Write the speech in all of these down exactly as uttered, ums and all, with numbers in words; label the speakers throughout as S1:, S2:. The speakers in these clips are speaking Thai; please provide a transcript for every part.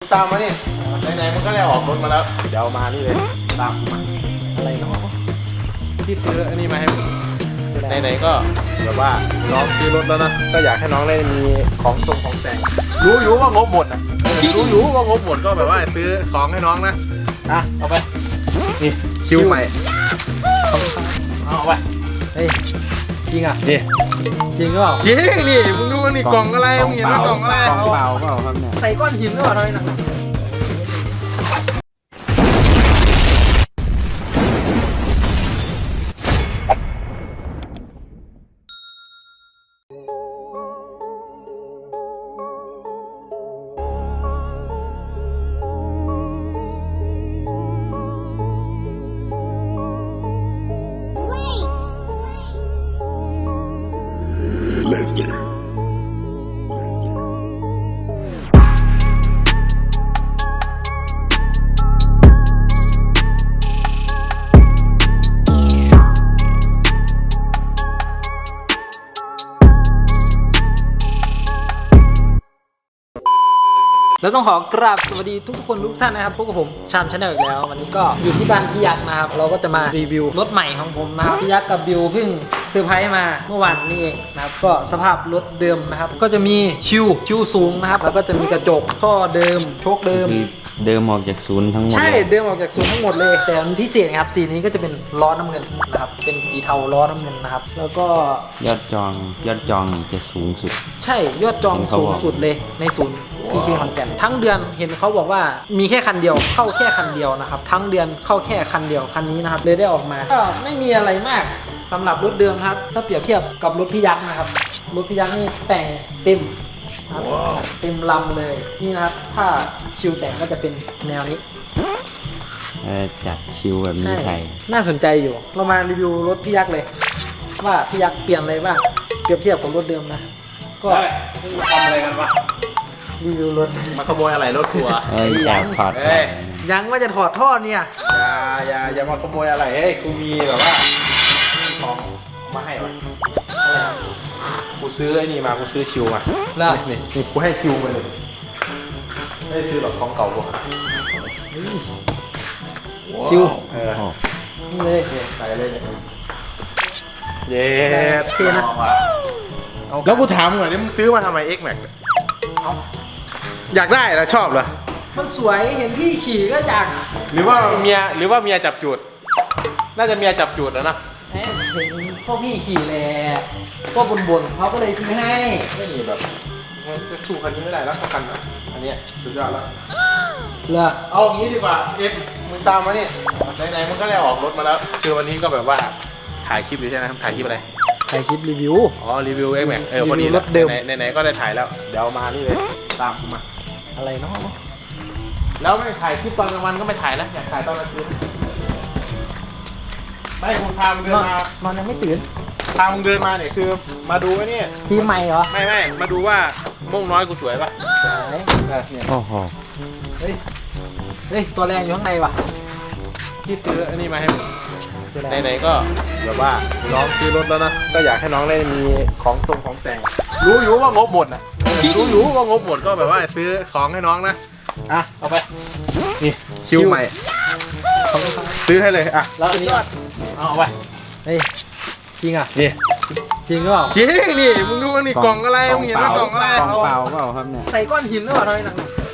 S1: ตามมานี่ไหนๆมันก็ได้ออกรถมาแล้วเดี๋ยวมานี่เลยตามมา
S2: อะไรเนาะ
S1: ที่ซื้ออันนี้มาให้ผมไหนๆก็แบบว่าน้องซื้อรถแล้วนะก็อยากให้น้องได้มีของทรงของแต่งรู้อยู่ว่างบหมดนะรู้อยู่ว่างบหมดก็แบบว่าซื้อของให้น้องนะอ่ะเอาไปนี่คิวใหม่เอาไป
S2: เฮ้ยจริงอ่ะ
S1: นี่
S2: จริงก็เปล่า
S1: จริงนี่มึงดูนี่กล่องอะไรมึงเห็นไหมกล่องอะไร
S3: กล่องเปล่าเปล่าครับเนี่ย
S2: ใส่ก้อนหินหรือเปล่าทำไมหนัก
S4: Lester. Lester.
S2: แล้วต้องขอกราบสวัสดีทุกคนทุกท่านนะครับพบกับผมชามชาแนลอีกแล้ววันนี้ก็อยู่ที่บ้านพี่ยักษ์นะครับเราก็จะมารีวิวรถใหม่ของผมนะครับพี่ยักษ์กับบิวเพิ่งเซอร์ไพรส์มาเมื่อวานนี้เองนะครับก็สภาพรถเดิมนะครับก็จะมีชิวชิวสูงนะครับแล้วก็จะมีกระจกท่อเดิมโชคเดิม
S3: คือเดิมออกจากศูนย์ทั้งหมด
S2: ใช่
S3: เลย
S2: เดิมออกจากศูนย์ทั้งหมดเลยแต่มันพิเศษครับสีนี้ก็จะเป็นล้อน้ำเงินนะครับเป็นสีเทาล้อน้ำเงินนะครับแล้วก็
S3: ยอดจองยอดจองนี่จะสูงสุด
S2: ใช่ยอดจองสูงสุดเลยในศูนย์ ซี เค ขอนแก่นทั้งเดือนเห็นเขาบอกว่ามีแค่คันเดียวเข้าแค่คันเดียวนะครับทั้งเดือนเข้าแค่คันเดียวคันนี้นะครับเลยได้ออกมาก็ไม่มีอะไรมากสำหรับรถเดิมครับถ้าเปรียบเทียบกับรถพี่ยักษ์นะครับรถพี่ยักษ์นี่แต่งเต็มครับเต็มลำเลยนี่นะครับถ้าชิวแต่งก็จะเป็นแนวนี้
S3: เออจัดชิวแบบนี้ใส่
S2: น่าสนใจอยู่เรามารีวิวรถพี่ยักษ์เลย ว่าพี่ยักษ์เปลี่ยนอะไรบ้างเปรียบเทียบกับรถเดิมนะก็
S1: เฮ้ยมึงทำอะไรกันวะ
S2: รีวิวรถ
S1: มาขโมยอะไรรถทัวร์
S3: เอ้ยแอบถอด
S1: เอ้ย
S2: ยังว่าจะถอดท่อเนี่ย
S1: อย่าอย่าอย่ามาขโมยอะไรเฮ้ยกูมีแบบว่าของมาให้วะกูซื้อไอ้นี่มากูซื้อชิวมา
S2: แล้ว
S1: นี่นี่กูให้ชิวไปเลยไม่ได้ซื้อหรอกของเก่ากู
S2: ชิว
S1: เออ
S3: โอ้
S2: นี่เลย
S1: นี่ใส่เลยเนี่ยเย้
S2: เท่นะ
S1: แล้วกูถามหน่อยนี่มึงซื้อมาทำไม X Max เนี่ย
S2: เอา
S1: อยากได้เหรอชอบเหรอ
S2: มันสวยเห็นพี่ขี่ก็อยาก
S1: หรือว่าเมียหรือว่าเมียจับจูดน่าจะเมียจับจูดแล้วนะ
S2: เอ๊ะเห็นพวกพี่ขี่แหละก็บ่นๆเขาก็เลยซื้อให้
S1: ไม่มีแบบจะสู้คันนี้ไม่ได้แล้วสักคันนะอันเนี้ยสุดยอดแล้ว
S2: เลิก
S1: เอาอย่างนี้ดีกว่าเอฟมึงตามมานี่ไหนๆมึงก็ได้ออกรถมาแล้วคือวันนี้ก็แบบว่าถ่ายคลิปอยู่ใช่ไหมถ่ายคลิปอะไร
S2: ถ่ายคลิปรีวิว
S1: อ๋อรีวิว X Max เออพอดี
S2: รีวิวรถเดิม
S1: ไหนๆไหนๆก็ได้ถ่ายแล้วเดี๋ยวมานี่เลยตามกูมา
S2: อะไรเนาะ
S1: แล้วไม่ถ่ายคลิปตอนกลางวันก็ไม่ถ่ายนะอยากถ่ายตอนกลางคืนไม่คุณพามึงเดิ
S2: น
S1: น
S2: อน
S1: มาน
S2: อนยังไม่ตื่น
S1: พามึงเดินมาเนี่ยคือมาดูไอ้นี่
S2: ปีใหม่เหรอ
S1: ไม่ไม่มาดูว่าม่วงน้อยกูสวยป่ะ
S2: สวย
S1: เออเนี่ย
S3: โอ้โห
S2: เฮ้ยเฮ้ยตัวแรงอยู่ข้างในว่ะ
S1: ที่ซื้ออันนี้มาให้มึง
S2: คืออะไร
S1: ไหนๆก็แบบว่าน้องซื้อรถแล้วนะก็อยากให้น้องได้มีของตรงของแต่งรู้อยู่ว่างบหมดนะรู้อยู่ว่างบหมดก็แบบว่าซื้อของให้น้องนะอ่ะเอาไปนี่คิวใหม่ซื้อให้เลยอ่ะแล้วอันนี้เอาเอาไป
S2: เฮ้ยจริงอ่ะ
S1: นี่
S2: จริงก็เปล่า
S1: จริงนี่มึงดูนี่กล่องอะไรมึงเห็นไหมกล่องอะไร
S3: กล่องเปล่าเปล่าครับเนี่ย
S2: ใส่ก้อนหินหรือเปล่าทำไมหนัก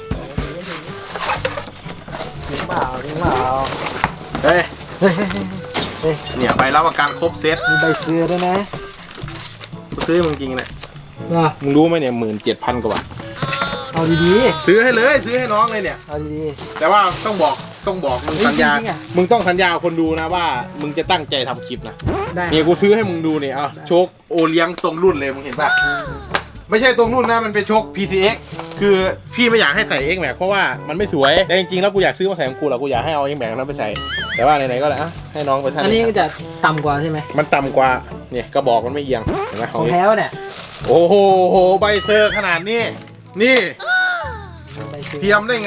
S2: จริงเปล่าจริงเปล่า
S1: เฮ้ย
S2: เฮ้ยเฮ้ย
S1: เนี่ยใบรับประกันครบเซ็ต
S2: มีใบเสื้อด้วยนะ
S1: กูซื้อมึงจริงเนี่ย
S2: อ่ะ
S1: มึงรู้ไหมเนี่ยหมื่นเจ็ดพันกว่าบาท
S2: เอาดี
S1: ซื้อให้เลยซื้อให้น้องเลยเนี่ย
S2: ๆเอาดี
S1: แต่ว่าต้องบอกต้องบอกมึง
S2: เฮ้ย
S1: สัญญา
S2: จริงๆอะ
S1: มึงต้องสัญญาคนดูนะว่ามึงจะตั้งใจทำคลิปนะ
S2: ๆได้
S1: นี่กูซื้อให้มึงดูเนี่ยเอาโชคโอเลี้ยงตรงรุ่นเลยมึงเห็นป่ะไม่ใช่ตรงรุ่นนะมันเป็นโชค พี ซี เอ็กซ์ คือพี่ไม่อยากให้ใส่ X Max เพราะว่ามันไม่สวยแต่จริงๆแล้วกูอยากซื้อมาใส่ของกูแหละกูอยากให้เอา X Max นั้นไปใส่แต่ว่าไหนๆก็เลยอ่ะให้น้องไปใส่
S2: อันนี้ก็จะต่ำกว่าใช่ไหม
S1: มันต่ำกว่าเนี่ยกระบอกมันไม่เอียงเห็นไหม
S2: ของ
S1: นี้
S2: แท้วะเนี่ย
S1: โอ้โหโหใบเซอร์ขนาดนี้นี่
S2: ใบสื้อ
S1: เทียมได้ไง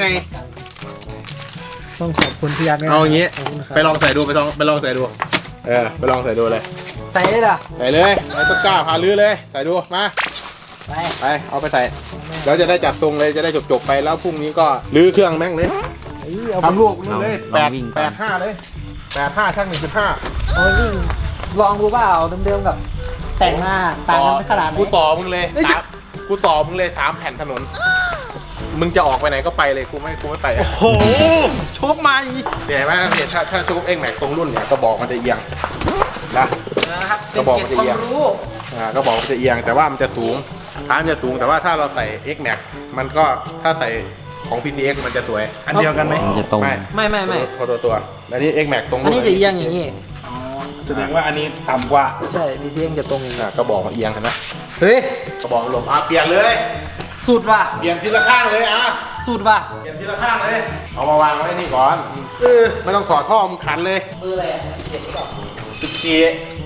S2: ต้องขอบคุณพี่ยักษ์นะ
S1: เอาอย่างงี้
S2: ขบคุณครับ
S1: ไปลองใส่ดูไปลองไปลองใส่ดูเออไปลองใส่ดูเลย
S2: ใส่ได้เหรอ
S1: ใส่เลยใส่ต้นกล้าพาลื้อเลยใส่ดูมา
S2: ไป
S1: ไปเอาไปใส่
S2: ไม่
S1: แล้วจะได้จัดทรงเลยจะได้จบๆไปแล้วพรุ่งนี้ก็รื้อเครื่องแม่งเลย
S2: เอ้ยเอา
S1: ทำลูกนู่นเลย
S3: ล
S1: แป
S3: อง
S1: ด
S3: วิ่งก่อน
S1: แปดห้าเลยแปดห้าช่างหนึ่งจุดห้า
S2: เอาไปวิ่งลองดูเปล่าเดิมๆกับแต่งหน้าต่างกันขนาดไหน
S1: กูต่อมึงเลยสามกูต่อมึงเลยสามแผ่นถนน มึงจะออกไปไหนก็ไปเลยกูไม่กูไม่ไป
S2: โอ้โหโชคใหม่
S1: เห็นไหมเนี่ยถ้าถ้าโชคเอ็กแม็กตรงรุ่นเนี่ยกระบอกมันจะเอียงนะ
S2: นะครับ
S1: กระบอกมันจะ
S2: ควา
S1: เอียง
S2: มรู้
S1: อ่ากระบอกมันจะเอียงแต่ว่ามันจะสูงฐานมันจะสูงแต่ว่าถ้าเราใส่ X Max มันก็ถ้าใส่ของ พี ที เอ็กซ์ มันจะสวย
S5: อันเดียวกันไหม
S3: มันจะตรง
S1: ไม่
S2: ไม่ไม่ไม่
S1: ตัวตัวตัวอันนี้ X Max ตรง
S2: อันนี้จะเอียงอย่างนี้
S5: แสดงว่าอันนี้ต่ำกว่า
S2: ใช่พีซีเอ็มจะตรงอย่างนี้
S1: อ่ะกระบอกมันเอียงเห็นไหม
S2: เฮ้ย
S1: กระบอกมันหลบอ่ะเปลี่ยนเลย
S2: สูตรว่ะ
S1: เปลี่ยนทีละข้างเลยอ่ะ
S2: สูตรว่ะ
S1: เปลี่ยนทีละข้างเลย เอามาวางไว้นี่ก่อนเออไม่ต้องถอดท่อมึงขันเลย
S2: มืออะไรเจ็บก่อน
S1: สิบสี่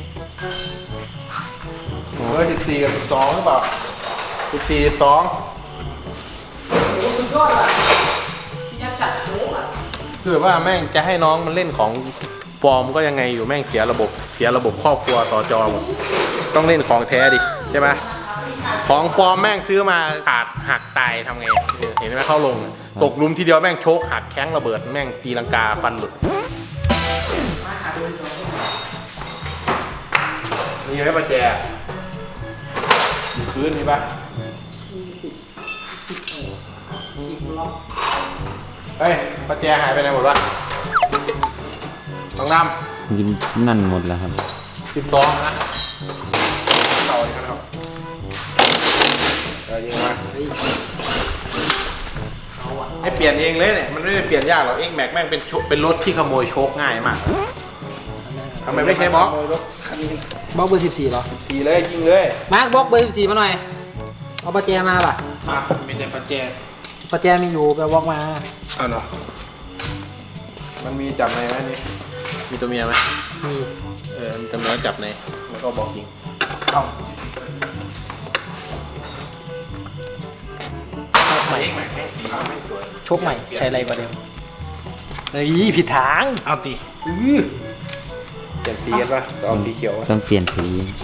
S1: โอ้ยสิบสี่กับสิบสองหรือเปล่าสิบสี่สิบสอง
S2: โอ้สุดยอดว่ะพี่ยักษ์จัดโอ้อ่ะ
S1: คือว่าแม่งจะให้น้องมันเล่นของปลอมก็ยังไงอยู่แม่งเสียระบบเสียระบบครอบครัวต่อจอหมดต้องเล่นของแท้ดิใช่ไหมของปลอมแม่งซื้อมาขาดหักตายทำไงเห็นไหมเข้าลง ตกหลุมทีเดียวแม่งโชกหักแข้งระเบิดแม่งตีลังกาฟันหลุดมีไหมประแจอยู่พื้นมีปะเฮ้ยประแจหายไปไหนหมดวะต้องนำ
S3: ยินนั่นหมดแล้วครับ
S1: สิบสองนะเต่าเลยครับเออยิงมาให้เปลี่ยนเองเลยเนี่ยมันไม่ได้เปลี่ยนยากหรอก X Max แม่งเป็นชุเป็นรถที่ขโมยโชคง่ายมากทำไมไม่ใช้บล็อก
S2: บล็อกเบอร์สิบสี่เหรอ
S1: สีเลยยิงเลย
S2: มาร์คบล็อกเบอร์สิบสี่มาหน่อยเอาประแจมาป่ะ
S5: อ่ะมีแต่ปัจเจก
S2: ประแจมีอยู่ไปบล็อกมา
S5: เอาเนาะ
S1: มันมีจับในไหมนี่มีตัวเมียไหม
S2: มี
S1: เออมีตัวเมียจับในแล้วก็บอกยิง
S5: เอา
S2: โชคใหม่
S1: X Max ให้ไม่สวย
S2: โชคใหม่ใช้อะไรกว่าเดิมเฮ้ยผิดทาง
S5: เอาตี
S1: อื้อเปลี่ยนสีกันปะเอาสีเขียว
S3: ต้องเปลี่ยนสี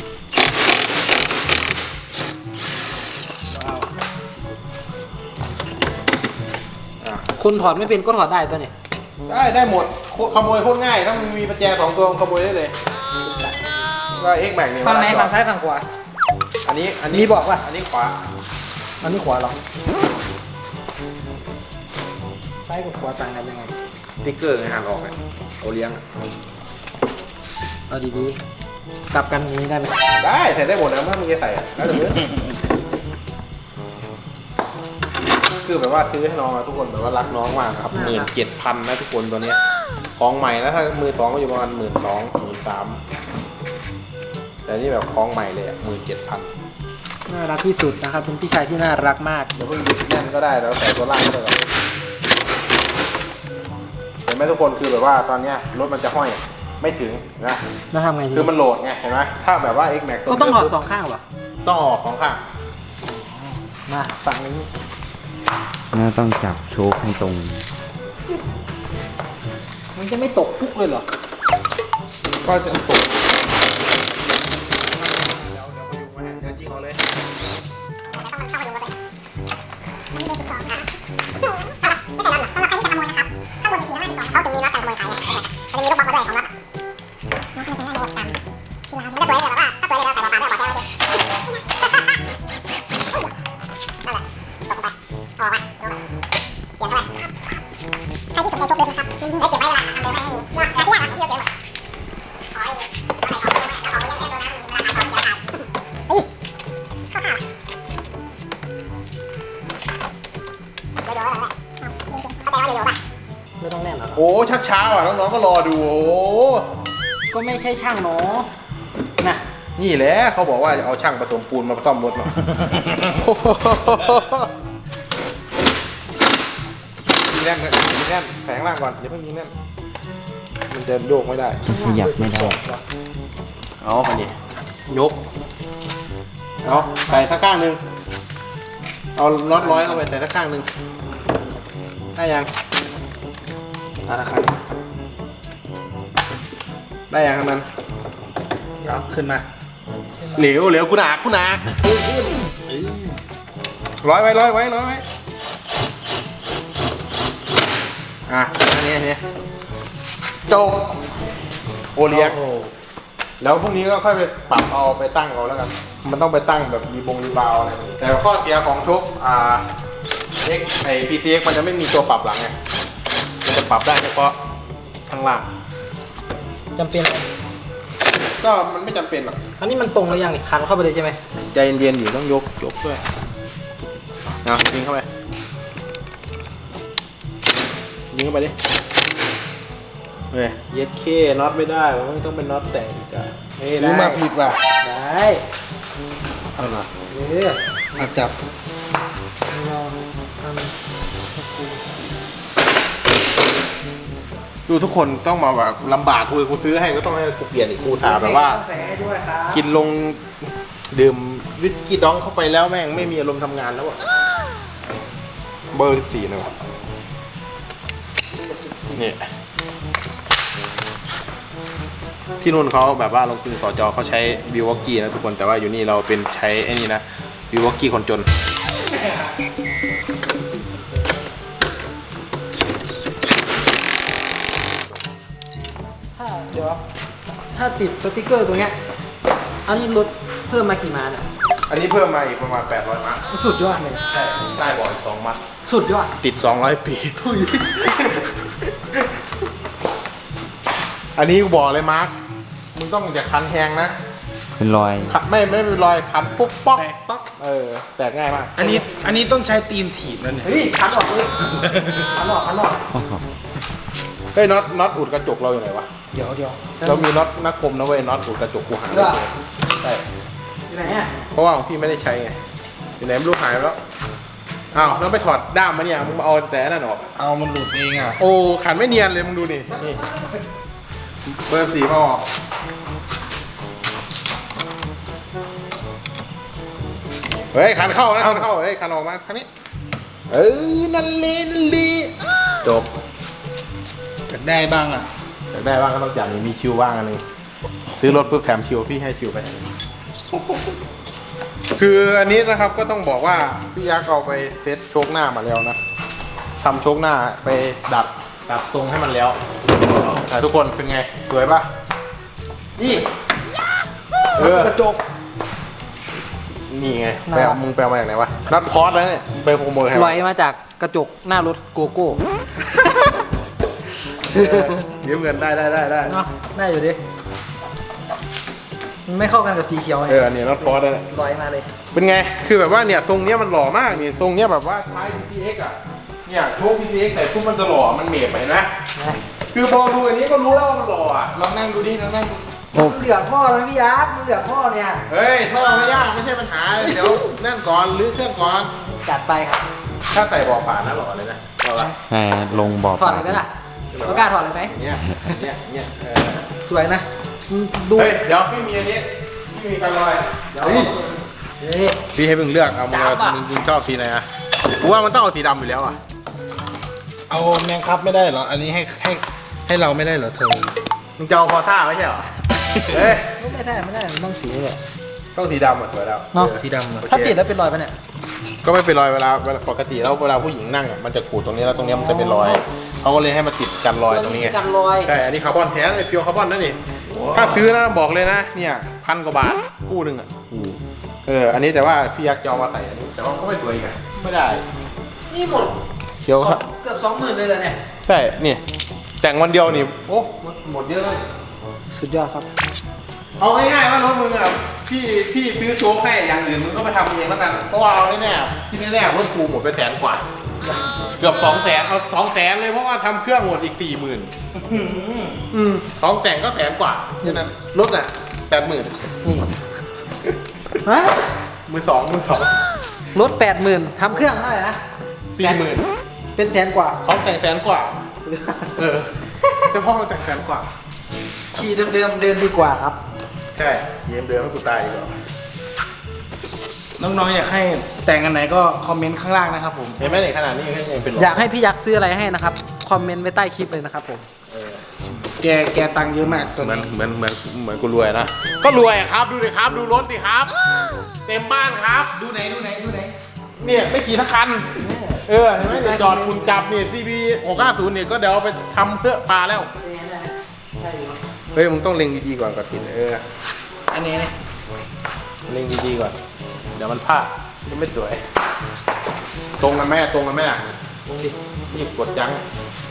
S1: อ่ะ
S2: คนถอดไม่เป็นก็ถอดได้ตัวเนี่ย
S1: ได้ได้หมดโคขโมยโคตรง่ายถ้ามันมีประแจสองตัวขโมยได้เลยก็ X Max เนี่ย
S2: ฝั่งไหน
S1: เวล
S2: ฝั่งซ้ายฝั่งขวา
S1: อันนี้อันนี้
S2: มีบอกว่า
S1: อันนี้ขวา
S2: อันนี้ขวาเหรอซ้ายกับขวาต่างกันยังไง
S1: ติ๊กเกอร์ไงหันออกไงเอาเลี้ยงอะ
S2: เอาดีๆกลับกันอย่างนี้ได้ไหม
S1: ได้ใส่ได้หมดนะเมื่อมึงจะใส่อะแล้วแต่เพื่อนคือแบบว่าซื้อให้น้องอะทุกคนแบบว่ารักน้องมากนะครับหมื่นเจ็ดพันนะทุกคนตัวเนี้ยของใหม่นะถ้ามือสองก็อยู่ประมาณหมื่นสองหมื่นสามแต่นี่แบบของใหม่เลยอ่ะหมื่นเจ็ดพัน
S2: น่ารักที่สุดนะครับเป็นพี่ชายที่น่ารักมาก
S1: เดี๋ยวเพิ่งยึดแน่นก็ได้แล้วใส่ตัวล่างก็ได้ครับเห็นไหมทุกคนคือแบบว่าตอนเนี้ยรถมันจะห้อยไม่ถึงนะ
S2: แล้วทำไงที
S1: คือมันโหลดไงเห็นไหมถ้าแบบว่า X Max
S2: ก็ต้องถอดสองข้างเหรอ
S1: ต้องออกสองข้าง
S2: มาฝั่งนี้
S3: แล้วต้องจับโชคให้ตรง
S2: มันจะไม่ตกปุ๊กเลยเหรอ
S1: ก็จะตกเดี๋ยวเดี๋ยวไปดูมาให้เดี๋ยวยิงเอาเลย
S2: ไม่ต้องแน่นเหรอ
S1: โอ้ชักช้าว่ะน้องๆก็รอดูโอ้
S2: ก็ไม่ใช่ช่างเนาะนะ
S1: นี่แหละเขาบอกว่าจะเอาช่างผสมปูนมาซ่อมรถเนาะยิงแน่นเลยยิงแน่นแฝงล่างก่อนอย่าเพิ่งยิงแน่นมันจะโยกไม่ได้
S3: ขยับไม่ได้
S1: เอาไปดิยกเอาใส่สักข้างหนึ่งเอาน็อตร้อยเข้าไปใส่สักข้างหนึ่งได้ยังได้แล้วครับได้ยังครับมัน
S5: เอาขึ้นมา
S1: เหลวเหลวกูหนักกูหนักร้อยไว้ร้อยไว้ร้อยไว้อ่ะอันนี้อันนี้จบโอเลี้ยงแล้วพรุ่งนี้ก็ค่อยไปปรับเอาไปตั้งเอาแล้วกันมันต้องไปตั้งแบบรีบงรีบาวอะไรแบบนี้แต่ข้อเสียของชุกอ่า X ไอ พี ซี เอ็กซ์ มันจะไม่มีตัวปรับหลังไงมันจะปรับได้เฉพาะข้างล่าง
S2: จำเป็นไหม
S1: ก็มันไม่จำเป็นหรอก
S2: อันนี้มันตรงหรือยังนี่คันเข้าไปเลยใช่ไหม
S1: ใจเย็นๆอยู่ต้องยกยกด้วยนะยิงเข้าไปยิงเข้าไปดิเฮ้ยเย็ดเคน็อตไม่ได้มันไม่ต้องเป็นน็อตแต่งอีกอะเฮ้ย
S5: รู้
S1: ได้
S5: มาผิดว่ะ
S2: ได้
S1: เอาหน่อย
S2: เออ
S5: มาจับ
S2: เราท
S1: ดูทุกคนต้องมาแบบลำบากกูกูซื้อให้ก็ต้องให้กูเปลี่ยนอีกกูสา
S2: ำ
S1: แบบว่า
S2: ใส่ให้ด้วยครับ
S1: กินลงดื่มวิสกี้ดองเข้าไปแล้วแม่งไม่มีอารมณ์ทำงานแล้วอะเบอร์สิบสี่นะวะนี่ที่นู่นเขาแบบว่าลงทุนสจเขาใช้วิววอกกี้นะทุกคนแต่ว่าอยู่นี่เราเป็นใช้ไอ้นี่นะวิววอกกี้คนจน
S2: ถ้าเดี๋ยวถ้าติดสติกเกอร์ตรงเนี้ยอันนี้ลดเพิ่มมากี่ม้าเนี่ย
S1: อันนี้เพิ่มมาอีกประมาณแปดร้อยม้า
S2: สุดยอดเลย
S1: ใช่ได้บ่อยสองมัด
S2: สุดยอด
S1: ติดสองร้อยปีทุยอันนี้กูบอกเลยมาร์คมึงต้องอย่าคันแหงนะ
S3: เป็นรอย
S1: ขัดไม่ไม่เป็นรอยคันปุ๊บป๊อกป๊อกเออแตกง่ายมาก
S5: อันนี้อันนี้ต้องใช้ตีนถีบแล้วเนี่ย
S2: เฮ้ยคันออกเลยคันออกคันออก
S1: เฮ้ยน็อตน็อตอุดกระจกเราอยู่ไหนวะ
S2: เดี๋ยวเดี๋ยว
S1: เรามีน็อตนักคมนะเว้ยน็อตอุดกระจกกูหาไม่เจอใช่
S2: อยู่ไหนอ่ะ
S1: เพราะว่าของพี่ไม่ได้ใช้ไงอยู่ไหนไม่รู้หายไปแล้วอ้าวแล้วไปถอดด้ามมาเนี่ยมึงมาเอาแต่นั่นออก
S5: เอามันหลุดเองอ่ะ
S1: โอ้ขันไม่เนียนเลยมึงดูนี่นี่เบอร์สี่มาออกเฮ้ยขันเข้านะขันเข้าเฮ้ยขันออกมาคันนี้เออนั่นเลยนั่นเลยจบ
S5: อยากได้บ้างอ่ะ
S1: อยากได้บ้างก็ต้องจัดนี่มีชิวบ้างอันหนึงซื้อรถปุ๊บแถมชิวพี่ให้ชิวไปอันหนึ่งคืออันนี้นะครับก็ต้องบอกว่าพี่ยักษ์เอาไปเซ็ตโชคหน้ามาแล้วนะทำโชคหน้าไปดัดดัดทรงให้มันแล้วอ่ะทุกคนเป็นไงสวยปะนี่เออกระจกนี่ไงไปเอามึงไปเอามาจากไหนวะนัดคอร์สแล้วเนี่ยไปโปรโมทให้
S2: ลอยมาจากกระจกหน้ารถโกโก้
S1: เออยืมเงินได้ได้ได้ได้
S2: เนาะได้อยู่ดิมันไม่เข้ากันกับสีเขียวไง
S1: เอออันนี้นัดคอร์สแล้วเนี่ย
S2: ลอยมาเลย
S1: เป็นไง คือแบบว่าเนี่ยทรงเนี้ยมันหล่อมากนี่ทรงเนี้ยแบบว่าท้าย พี ซี เอ็กซ์ อ่ะ เนี่ยโชค พี ซี เอ็กซ์ ใส่ปุ๊บมันจะหล่อ มันเหมียบไปนะ คือพอดูอันนี้ก็รู้แล้วว่ามันหล่ออ่ะ
S5: ลองนั่งดูดิลองนั่งดู
S2: มันเหลือพ่อแล้วพี่ยักษ์มันเหลือพ่อเนี่ย
S1: เฮ้ยท่อไม่ยากไม่ใช่ปัญหา เดี๋ยวนั่นก่อนรื้อเครื่องก่อน
S2: จัดไปครับ
S1: ถ้าใส่บ่อผ่านนะหล่อเลยนะหล่อละ
S3: ใช่ลงบ่อ
S2: ถอดเลยไหมล่ะเรากล้าถอดเลยไหม
S1: อย่างเงี้ยอย่างเงี้ยอย่างเงี้ยเออ
S2: สวยนะมึงดู
S1: เฮ้ย เดี๋ยวพี่มีอันนี้ พี่มีกันลอยเดี๋ยว
S2: เฮ้ย
S1: พี่ให้มึงเลือกเอามึงเอา
S2: ดำอะ
S1: มึงมึงชอบสีไหนอ่ะกูว่ามันต้องเอาสีดำอยู่แล้วอ่ะ
S5: เอาแมงครับไม่ได้เหรอ อันนี้ให้ให้ให้เราไม่ได้เหรอเธอ
S1: มึงจะเอาคอท่าไม่ใช่เหรอ เฮ้ย
S2: ไม่ได้ไม่ได้มันต้องสีเลย
S1: ต้องสีดำอ่ะสวยแล้ว
S2: เนาะ
S1: ออ
S5: สีดำเหรอ
S2: ถ้าติดแล้วเป็นรอยปะเนี่ย
S1: ก็ไม่เป็นรอยเวลาเวลาปกติแล้วเวลาผู้หญิงนั่งอ่ะมันจะขูดตรงนี้แล้วตรงนี้มันจะเป็นรอยเขาก็เลยให้มาติดกันรอยตรงนี้ไง
S2: กันรอย
S1: ใช่อันนี้คาร์บอนแท้เลยเพียวคาร์บอนนั่นนี่ถ้าซื้อนะบอกเลยนะเนี่ยพันกว่าบาทคู่หนึ่งอ่ะเอออันนี้แต่ว่าพี่ยักษ์จะเอามาใส่อันนี้แต่ว่าก็ไม่สวยอีกอ่ะไม่ได้
S2: นี่หมด
S1: เดี๋ยว
S2: สองเกือบสองหมื่นเลยเหรอเนี่ย
S1: ใช่นี่แต่งวันเดียวนี่โอ้หมดหมดเยอะเลย
S2: สุดยอดครับ
S1: เอาง่ายๆว่ารถมึงอ่ะพี่พี่ซื้อโชว์ให้อย่างอื่นมึงก็ไปทำเองแล้วกันเพราะว่าเอาแน่ๆที่แน่ๆรถกูหมดไปแสนกว่าเกือบสองแสนเอาสองแสนเลยเพราะว่าทำเครื่องหมดอีกสี่หมื่นอืมของแต่งก็แสนกว่าฉะนั้นรถอ่ะแปดหมื่น
S2: นี่ฮะ
S1: มือสองมือสอง
S2: รถแปดหมื่นทำเครื่องเท่าไหร่นะ
S1: สี่หมื่น
S2: เป็นแสนกว่า
S1: ของแต่งแสนกว่า เออเฉพาะของแต่งแสนกว่า
S2: ขี่เดิมๆเดินดีกว่าครับ
S1: ใช่เยี่ยมเดือนให้กูตายดีกว่า
S5: น้องๆอยากให้แต่งอันไหนก็คอมเมนต์ข้างล่างนะครับผม
S1: เห็นไหมในขนาดนี้ยังยังเป็นหล
S2: อยากให้พี่ยักษ์ซื้ออะไรให้นะครับ คอมเมนต์ไว้ใต้คลิปเลยนะครับผม
S5: แกแกตังค์เยอะมากตัว
S1: เหมือน
S5: นี้
S1: เหมือนเหมือนเหมือนกูรวยนะ ก็รวยอะครับ ดูดิครับ ดูรถดิครับ เต็มบ้านครับ
S5: ดูไหนดูไหนดูไหน
S1: เนี่ยไม่ขี่ทั้งคัน เออเห็นไหมเนี่ยจอดคุณจับเนี่ย ซี บี หกห้าศูนย์เนี่ยก็เดี๋ยวเอาไปทำเพื่อปลาแล้ว เฮ้ยมึงต้องเล็งดีๆก่อนก่อนกินเออ
S5: อันนี้เนี่ย
S1: เล็งดีๆก่อน เดี๋ยวมันพลาดมันไม่สวย ตรงกันไหมตรงกันไหมอ่ะ
S2: ลงดิ
S1: นี่กดจัง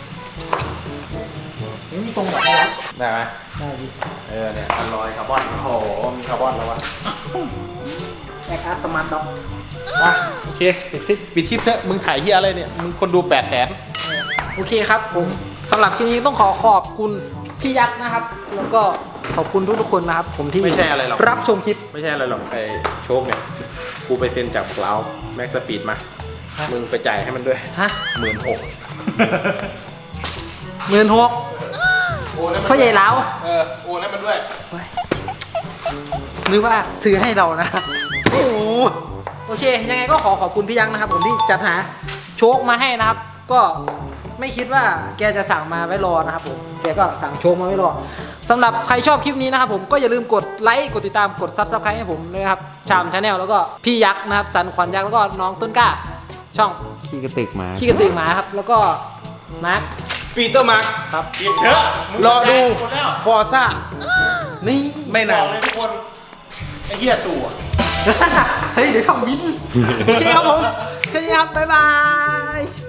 S2: นี่ตรงแบบนี้
S1: ได้ไหม
S2: ได้ดิ
S1: เออเนี่ยอลลอยคาร์บอน โอ้โห มีคาร์บอนแล้ววะ
S2: แอคอาร์ตมันด็อก
S1: อ่ะโอเคปิดคลิปปิดคลิปเถอะมึงถ่ายเฮียอะไรเนี่ย มึงคนดูแปดแสน
S2: โอเคครับผมสำหรับคลิปนี้ต้องขอขอบคุณพี่ยักษ์นะครับ แล้วก็ขอบคุณทุกๆคนนะครับ ผมที่
S1: ไม่ใช่อะไรหรอก
S2: รับชมคลิป
S1: ไม่ใช่อะไรหรอกไอ้โชคเนี่ย กูไปเซ็นจากกลาวแม็กสปีดมา
S2: ฮะ
S1: มึงไปจ่ายให้มันด้วย
S2: ฮะ
S1: หมื่นหก
S2: หมื่นหก
S1: โอนให้มัน
S2: พ่อใหญ่เหลา
S1: เออโอนให้มันด้วย
S2: หรือว่าซื้อให้เรานะ โอ้โหโอเค ยังไงก็ขอขอบคุณพี่ยักษ์นะครับ ผมที่จัดหาโชคมาให้นะครับ ก็ไม่คิดว่าแกจะสั่งมาไว้รอนะครับผม แกก็สั่งโชคมาไว้รอสำหรับใครชอบคลิปนี้นะครับผมก็อย่าลืมกดไลค์ กดติดตาม กดซับสไครต์ให้ผมด้วยนะครับ ชามชาแนลแล้วก็พี่ยักษ์นะครับ สันขวัญยักษ์แล้วก็น้องต้นกล้า ช่อง
S3: ขี้กระตึกหมา
S2: ขี้กระตือหมาครับ แล้วก็มาร์ค
S5: ปีเตอร์มาร์ค
S2: ครับ
S1: ปิดเถอะมึง
S5: รอดู
S1: หมดแล้ว
S5: ฟอร์ซ่า
S2: นี่
S5: ไม่
S1: บ
S5: นา
S1: อน กเลยทุกคน ไอ้เหี้ยจู่อะ
S2: เฮ้ย เดี๋ยวช่องบิน โอเคครับผม แค่นี้ครับ บ๊ายบาย